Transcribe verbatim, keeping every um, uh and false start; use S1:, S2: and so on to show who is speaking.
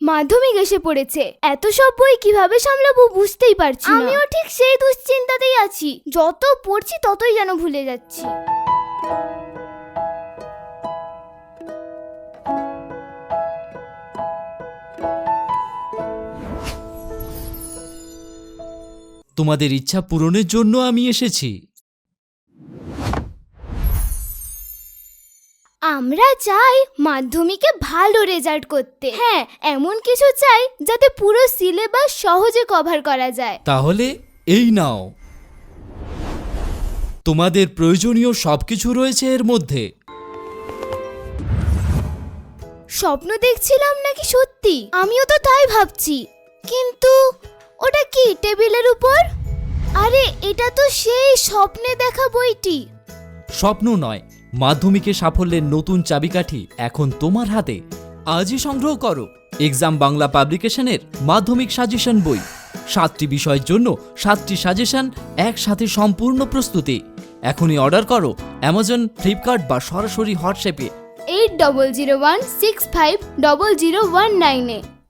S1: মাধ্যমিক এসে পড়েছে, এত সব বই কিভাবে সামলাবো বুঝতেই পারছি না। আমিও ঠিক সেই দুশ্চিন্তাতেই আছি, যত পড়ছি ততই যেন ভুলে যাচ্ছি।
S2: তোমাদের ইচ্ছা পূরণের জন্য আমি এসেছি।
S1: আমরা চাই মাধ্যমিকে ভালো রেজাল্ট করতে। হ্যাঁ, এমন কিছু চাই যাতে পুরো সিলেবাস সহজে কভার করা যায়।
S2: তাহলে এই নাও, তোমাদের প্রয়োজনীয় সবকিছু রয়েছে এর মধ্যে।
S1: স্বপ্ন দেখছিলাম নাকি সত্যি? আমিও তো তাই ভাবছি, কিন্তু ওটা কি টেবিলের উপর? আরে এটা তো সেই স্বপ্নে দেখা বইটি।
S2: স্বপ্ন নয়, মাধ্যমিকে সাফল্যের নতুন চাবিকাঠি এখন তোমার হাতে। আজই সংগ্রহ করো এক্সাম বাংলা পাবলিকেশনের মাধ্যমিক সাজেশন বই। সাতটি বিষয়ের জন্য সাতটি সাজেশন, একসাথে সম্পূর্ণ প্রস্তুতি। এখনই অর্ডার করো অ্যামাজন, ফ্লিপকার্ট বা সরাসরি হোয়াটসঅ্যাপে
S1: eight double zero one six five double zero one নাইনে।